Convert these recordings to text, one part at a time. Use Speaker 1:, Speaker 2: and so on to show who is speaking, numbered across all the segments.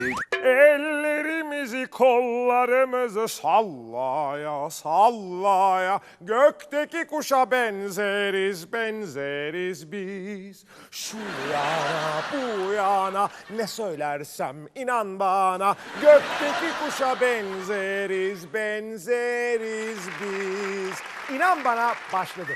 Speaker 1: Ellerimizi kollarımızı sallaya sallaya gökteki kuşa benzeriz benzeriz biz. Şu yana bu yana ne söylersem inan bana gökteki kuşa benzeriz benzeriz biz. İnan bana başladı.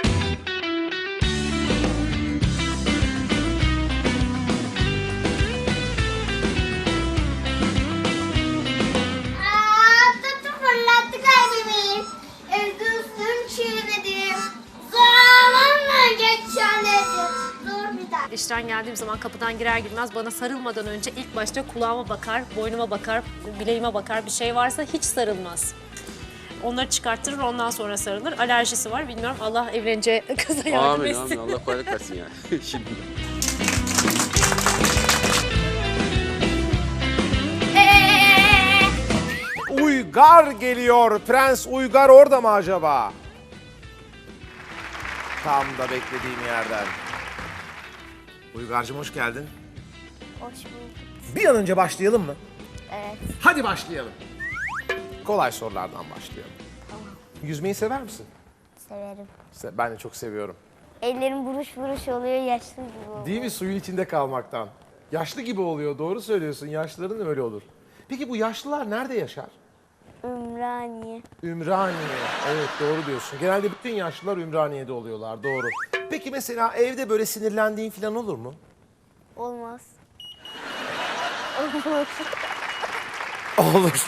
Speaker 2: Fırlattı kalbimi. Evde üstüm çiğnedim. Zamanla geçerledim. Dur bir dakika.
Speaker 3: İşten geldiğim zaman kapıdan girer girmez bana sarılmadan önce ilk başta kulağıma bakar, boynuma bakar, bileğime bakar. Bir şey varsa hiç sarılmaz. Onları çıkarttırır, ondan sonra sarılır. Alerjisi var, bilmiyorum. Allah evleneceği kıza yardım
Speaker 4: Amin
Speaker 3: etsin.
Speaker 4: amin. Allah kolaylık versin yani. Şimdi.
Speaker 1: Uygar geliyor. Prens Uygar orada mı acaba? Tam da beklediğim yerden. Uygar'cığım hoş geldin.
Speaker 2: Hoş bulduk.
Speaker 1: Bir an önce başlayalım mı?
Speaker 2: Evet.
Speaker 1: Hadi başlayalım. Kolay sorulardan başlayalım. Yüzmeyi sever misin?
Speaker 2: Severim.
Speaker 1: Ben de çok seviyorum.
Speaker 2: Ellerim buruş buruş oluyor, yaşlı gibi oluyor.
Speaker 1: Değil mi suyun içinde kalmaktan? Yaşlı gibi oluyor, doğru söylüyorsun. Yaşlıların da öyle olur. Peki bu yaşlılar nerede yaşar?
Speaker 2: Ümraniye.
Speaker 1: Ümraniye. Evet doğru diyorsun. Genelde bütün yaşlılar Ümraniye'de oluyorlar, doğru. Peki mesela evde böyle sinirlendiğin falan olur mu?
Speaker 2: Olmaz. Olur.
Speaker 1: Olur.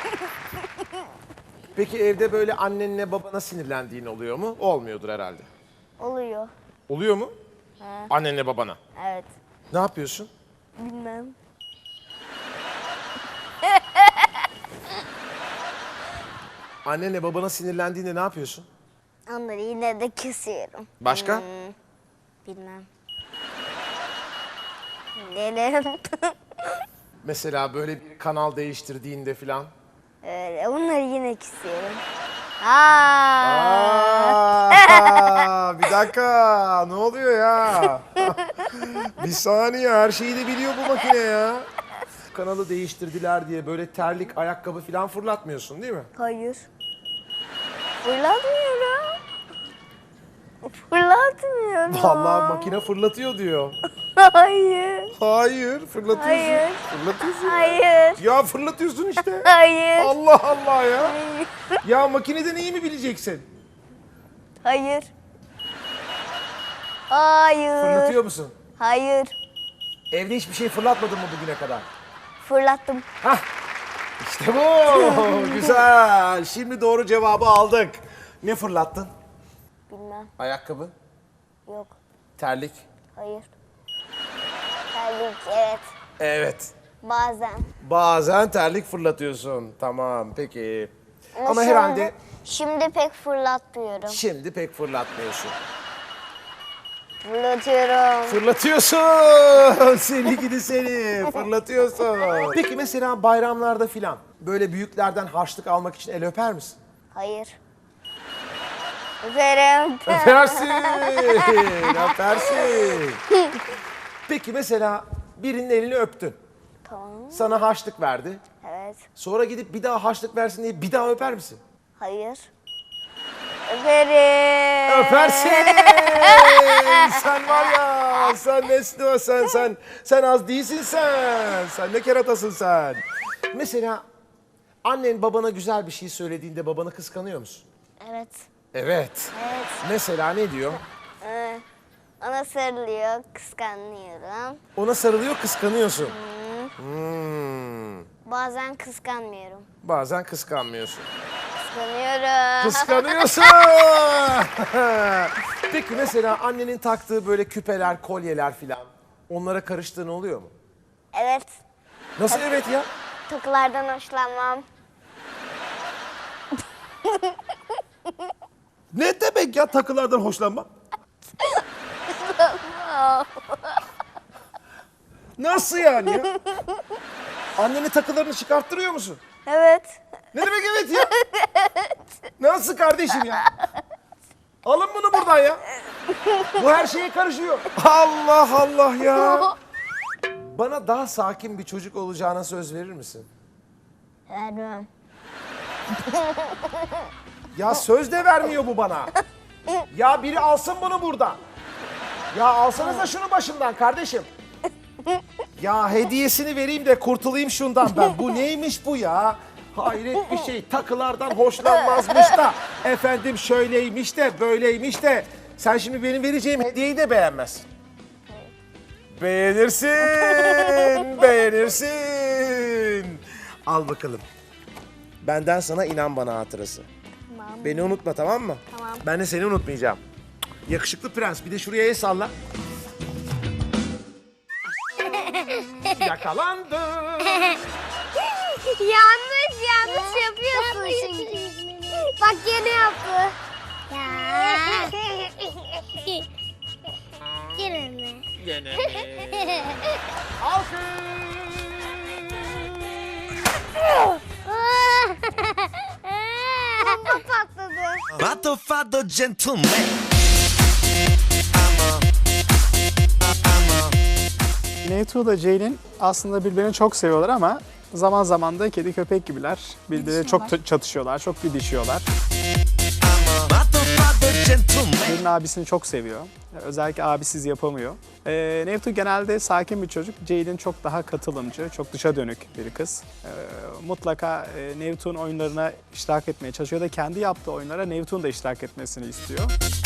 Speaker 1: Peki evde böyle annenle babana sinirlendiğin oluyor mu? Olmuyordur herhalde.
Speaker 2: Oluyor.
Speaker 1: Oluyor mu?
Speaker 2: He.
Speaker 1: Annenle babana.
Speaker 2: Evet.
Speaker 1: Ne yapıyorsun?
Speaker 2: Bilmem.
Speaker 1: Annenle babana sinirlendiğinde ne yapıyorsun?
Speaker 2: Onları yine de kesiyorum.
Speaker 1: Başka?
Speaker 2: Bilmem. Nelerim?
Speaker 1: Mesela böyle bir kanal değiştirdiğinde falan.
Speaker 2: Öyle. Onları yine kesiyorum.
Speaker 1: Bir dakika, ne oluyor ya? Bir saniye, her şeyi de biliyor bu makine ya. Kanalı değiştirdiler diye böyle terlik, ayakkabı falan fırlatmıyorsun değil mi?
Speaker 2: Hayır. Fırlatmıyorum. Fırlatmıyorum.
Speaker 1: Vallahi makine fırlatıyor diyor.
Speaker 2: Hayır.
Speaker 1: Hayır, fırlatıyorsun.
Speaker 2: Hayır.
Speaker 1: Fırlatıyorsun.
Speaker 2: Hayır.
Speaker 1: Ya fırlatıyorsun işte.
Speaker 2: Hayır.
Speaker 1: Allah Allah ya.
Speaker 2: Hayır.
Speaker 1: Ya makineden iyi mi bileceksin?
Speaker 2: Hayır. Hayır.
Speaker 1: Fırlatıyor musun?
Speaker 2: Hayır.
Speaker 1: Evde hiçbir şey fırlatmadın mı bugüne kadar?
Speaker 2: Fırlattım.
Speaker 1: Hah, işte bu. Güzel. Şimdi doğru cevabı aldık. Ne fırlattın?
Speaker 2: Bilmem.
Speaker 1: Ayakkabı,
Speaker 2: Yok.
Speaker 1: terlik.
Speaker 2: Hayır. Terlik evet.
Speaker 1: Evet.
Speaker 2: Bazen.
Speaker 1: Bazen terlik fırlatıyorsun. Tamam, peki. Ama
Speaker 2: şimdi-
Speaker 1: herhalde
Speaker 2: Şimdi pek fırlatmıyorum.
Speaker 1: şimdi pek fırlatmıyorsun.
Speaker 2: Fırlatıyorum.
Speaker 1: Fırlatıyorsun. Seni gidi seni. Fırlatıyorsun. Peki mesela bayramlarda filan böyle büyüklerden harçlık almak için el öper misin?
Speaker 2: Hayır. Öperim.
Speaker 1: Öpersin. Öpersin. Peki mesela birinin elini öptün.
Speaker 2: Tamam.
Speaker 1: Sana harçlık verdi.
Speaker 2: Evet.
Speaker 1: Sonra gidip bir daha harçlık versin diye bir daha öper misin?
Speaker 2: Hayır. Öperim.
Speaker 1: Öpersin. Sen var ya, sen nesli o sen az değilsin sen. Sen ne keratasın sen. Mesela annen babana güzel bir şey söylediğinde babanı kıskanıyor musun?
Speaker 2: Evet.
Speaker 1: Evet.
Speaker 2: Evet.
Speaker 1: Mesela ne diyor?
Speaker 2: Ona sarılıyor, kıskanıyorum.
Speaker 1: Ona sarılıyor, kıskanıyorsun.
Speaker 2: Bazen kıskanmıyorum.
Speaker 1: Bazen kıskanmıyorsun.
Speaker 2: Kıskanıyorum.
Speaker 1: Kıskanıyorsun. Peki mesela annenin taktığı böyle küpeler, kolyeler filan onlara karıştığın oluyor mu?
Speaker 2: Evet.
Speaker 1: Nasıl evet ya?
Speaker 2: Takılardan hoşlanmam.
Speaker 1: Ne demek ya takılardan hoşlanma? Nasıl yani ya? Annenin takılarını çıkarttırıyor musun?
Speaker 2: Evet.
Speaker 1: Ne demek evet ya? Nasıl kardeşim ya? Alın bunu buradan ya. Bu her şeye karışıyor. Allah Allah ya. Bana daha sakin bir çocuk olacağına söz verir misin?
Speaker 2: Vermem.
Speaker 1: Ya söz de vermiyor bu bana. Ya biri alsın bunu buradan. Ya alsanıza şunu başımdan kardeşim. Ya hediyesini vereyim de kurtulayım şundan ben. Bu neymiş bu ya? Hayret bir şey. Takılardan hoşlanmazmış da. Efendim şöyleymiş de böyleymiş de. Sen şimdi benim vereceğim hediyeyi de beğenmezsin. Beğenirsin. Beğenirsin. Al bakalım. Benden sana inan bana hatırası.
Speaker 2: Tamam.
Speaker 1: Beni unutma, tamam mı?
Speaker 2: Tamam.
Speaker 1: Ben de seni unutmayacağım. Yakışıklı prens, bir de şuraya el salla. Yakalandı.
Speaker 2: Yanlış yapıyorsun şimdi. Bak gene yaptı. Ya. Gene mi? Bomba patladı.
Speaker 5: Vado fado gentleman.
Speaker 6: Neytu da Ceylin aslında birbirini çok seviyorlar ama zaman zaman da kedi köpek gibiler. Birbirleriyle çok çatışıyorlar, çok didişiyorlar.
Speaker 5: Vado fado gentleman.
Speaker 6: Ceylin abisini çok seviyor. Özellikle abisiz yapamıyor. Neytu genelde sakin bir çocuk. Ceylin çok daha katılımcı, çok dışa dönük bir kız. Mutlaka Neytu'nun oyunlarına iştirak etmeye çalışıyor da kendi yaptığı oyunlara Neytu'nun da iştirak etmesini istiyor.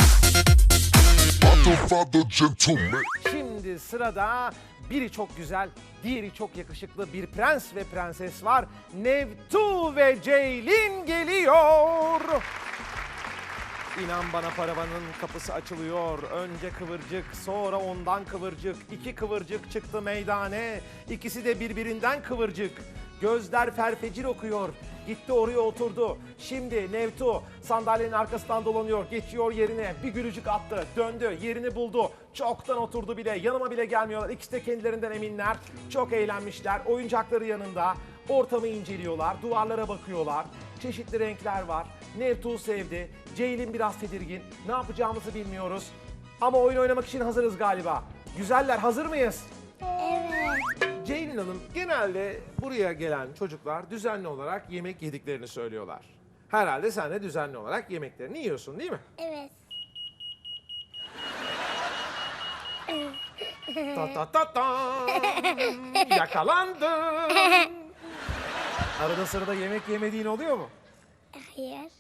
Speaker 5: Vado fado gentleman.
Speaker 1: Şimdi sırada biri çok güzel, diğeri çok yakışıklı bir prens ve prenses var. Nevtu ve Ceylin geliyor. İnan bana paravanın kapısı açılıyor. Önce kıvırcık, sonra ondan kıvırcık. İki kıvırcık çıktı meydane. İkisi de birbirinden kıvırcık. Gözler ferfecir okuyor. Gitti oraya oturdu. Şimdi Nevtu sandalyenin arkasından dolanıyor. Geçiyor yerine. Bir gülücük attı. Döndü. Yerini buldu. Çoktan oturdu bile. Yanıma bile gelmiyorlar. İkisi de kendilerinden eminler. Çok eğlenmişler. Oyuncakları yanında. Ortamı inceliyorlar. Duvarlara bakıyorlar. Çeşitli renkler var. Nevtu sevdi. Ceylin biraz tedirgin. Ne yapacağımızı bilmiyoruz. Ama oyun oynamak için hazırız galiba. Güzeller, hazır mıyız?
Speaker 2: Evet.
Speaker 1: Ceylin Hanım, genelde buraya gelen çocuklar düzenli olarak yemek yediklerini söylüyorlar. Herhalde sen de düzenli olarak yemeklerini yiyorsun, değil mi?
Speaker 2: Evet.
Speaker 1: Ta ta ta ta. Yakalandın. Arada sırada yemek yemediğin oluyor mu?
Speaker 2: Hayır.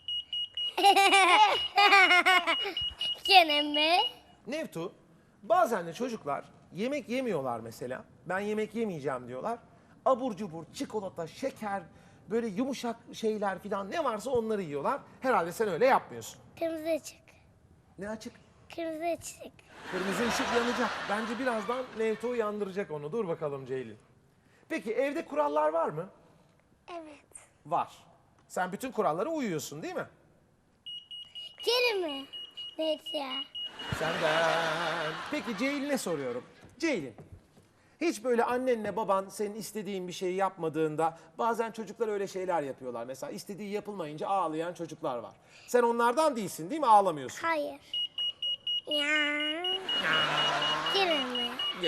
Speaker 2: Gene mi?
Speaker 1: Nevtu, bazen de çocuklar yemek yemiyorlar mesela. Ben yemek yemeyeceğim diyorlar. Abur cubur, çikolata, şeker, böyle yumuşak şeyler falan ne varsa onları yiyorlar. Herhalde sen öyle yapmıyorsun.
Speaker 2: Kırmızı ışık.
Speaker 1: Ne açık?
Speaker 2: Kırmızı ışık.
Speaker 1: Kırmızı ışık yanacak. Bence birazdan Nevtu uyandıracak onu. Dur bakalım Ceylin. Peki evde kurallar var mı?
Speaker 2: Evet.
Speaker 1: Var. Sen bütün kurallara uyuyorsun değil mi?
Speaker 2: Gene mi? Evet ya.
Speaker 1: Senden. Peki Ceylin'e soruyorum. Ceylin, hiç böyle annenle baban senin istediğin bir şeyi yapmadığında bazen çocuklar öyle şeyler yapıyorlar. Mesela istediği yapılmayınca ağlayan çocuklar var. Sen onlardan değilsin değil mi? Ağlamıyorsun.
Speaker 2: Hayır. Ya. Gene mi?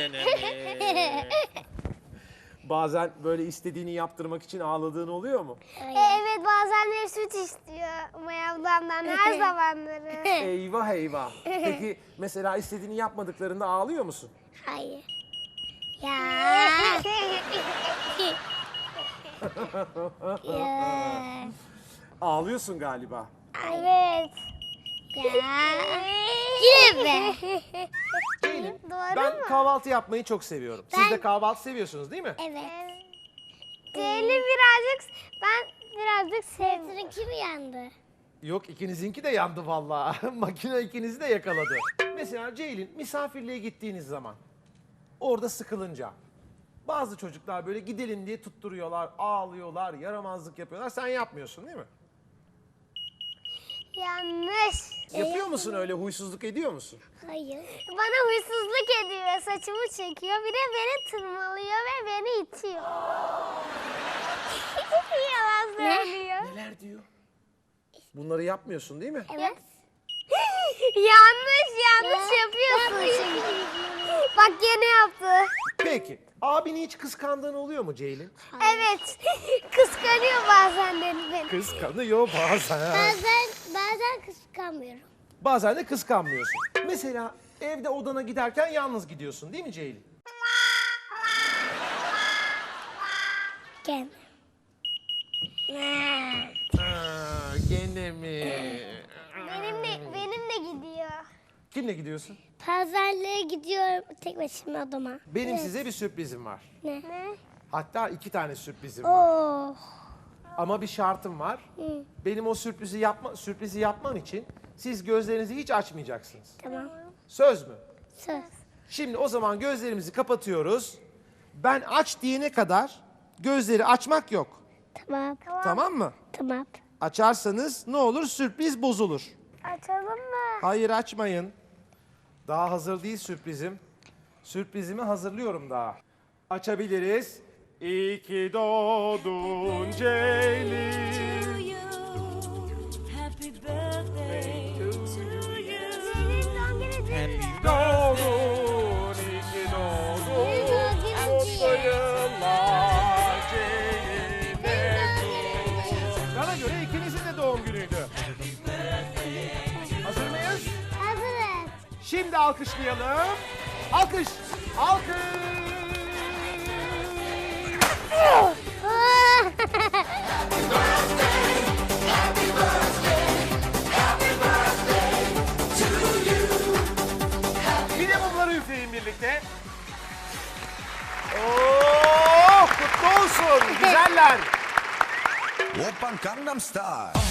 Speaker 1: Bazen böyle istediğini yaptırmak için ağladığın oluyor mu?
Speaker 2: Evet bazenleri süt istiyor Maya ablamdan her zamanları.
Speaker 1: Eyvah eyvah. Peki mesela istediğini yapmadıklarında ağlıyor musun?
Speaker 2: Hayır. Ya. Ya.
Speaker 1: Ağlıyorsun galiba.
Speaker 2: Evet. Ya. Yine mi?
Speaker 1: Ceylin,
Speaker 2: Doğru
Speaker 1: ben
Speaker 2: mu?
Speaker 1: kahvaltı yapmayı çok seviyorum. Siz de kahvaltı seviyorsunuz değil mi?
Speaker 2: Evet. Ceylin birazcık sevdim. Seninki mi yandı?
Speaker 1: Yok, ikinizinki de yandı vallahi. Makine ikinizi de yakaladı. Mesela Ceylin, misafirliğe gittiğiniz zaman orada sıkılınca bazı çocuklar böyle gidelim diye tutturuyorlar, ağlıyorlar, yaramazlık yapıyorlar. Sen yapmıyorsun değil mi?
Speaker 2: Yanlış.
Speaker 1: Yapıyor musun öyle, huysuzluk ediyor musun?
Speaker 2: Hayır. Bana huysuzluk ediyor, saçımı çekiyor, bir de beni tırmalıyor ve beni itiyor. Yalan söylüyor.
Speaker 1: Neler diyor? Bunları yapmıyorsun değil mi?
Speaker 2: Evet. yanlış yapıyorsun şimdi. Bak gene yaptı.
Speaker 1: Peki, Abini hiç kıskandığın oluyor mu Ceylin?
Speaker 2: Evet. Kıskanıyor bazen beni.
Speaker 1: Kıskanıyor bazen.
Speaker 2: Bazen kıskanmıyorum.
Speaker 1: Bazen de kıskanmıyorsun. Mesela evde odana giderken yalnız gidiyorsun değil mi Ceylin?
Speaker 2: Gel.
Speaker 1: Gene mi?
Speaker 2: Benimle gidiyor.
Speaker 1: Kimle gidiyorsun?
Speaker 2: Pazarlığa gidiyorum tek başıma odama.
Speaker 1: Benim size bir sürprizim var.
Speaker 2: Ne?
Speaker 1: Hatta 2 tane sürprizim var.
Speaker 2: Oh.
Speaker 1: Ama bir şartım var. Benim o sürprizi yapmam için siz gözlerinizi hiç açmayacaksınız.
Speaker 2: Tamam.
Speaker 1: Söz mü?
Speaker 2: Söz.
Speaker 1: Şimdi o zaman gözlerimizi kapatıyoruz. Ben aç diyene kadar gözleri açmak yok.
Speaker 2: Tamam.
Speaker 1: Tamam mı?
Speaker 2: Tamam.
Speaker 1: Açarsanız ne olur? Sürpriz bozulur.
Speaker 2: Açalım mı?
Speaker 1: Hayır açmayın. Daha hazır değil sürprizim. Sürprizimi hazırlıyorum daha. Açabiliriz. İyi ki doğdun Ceylin. Doğdun, iyi ki doğdun. Mutlu yıllar Ceylin. Bana göre ikinizin de doğum günüydü. Hazır mıyız?
Speaker 2: Hazırız.
Speaker 1: Şimdi alkışlayalım. Alkış. Alkış. Bir de mumları üfleyin birlikte. Oo, kutlu olsun. Güzeller.
Speaker 5: Oppan Gangnam Style.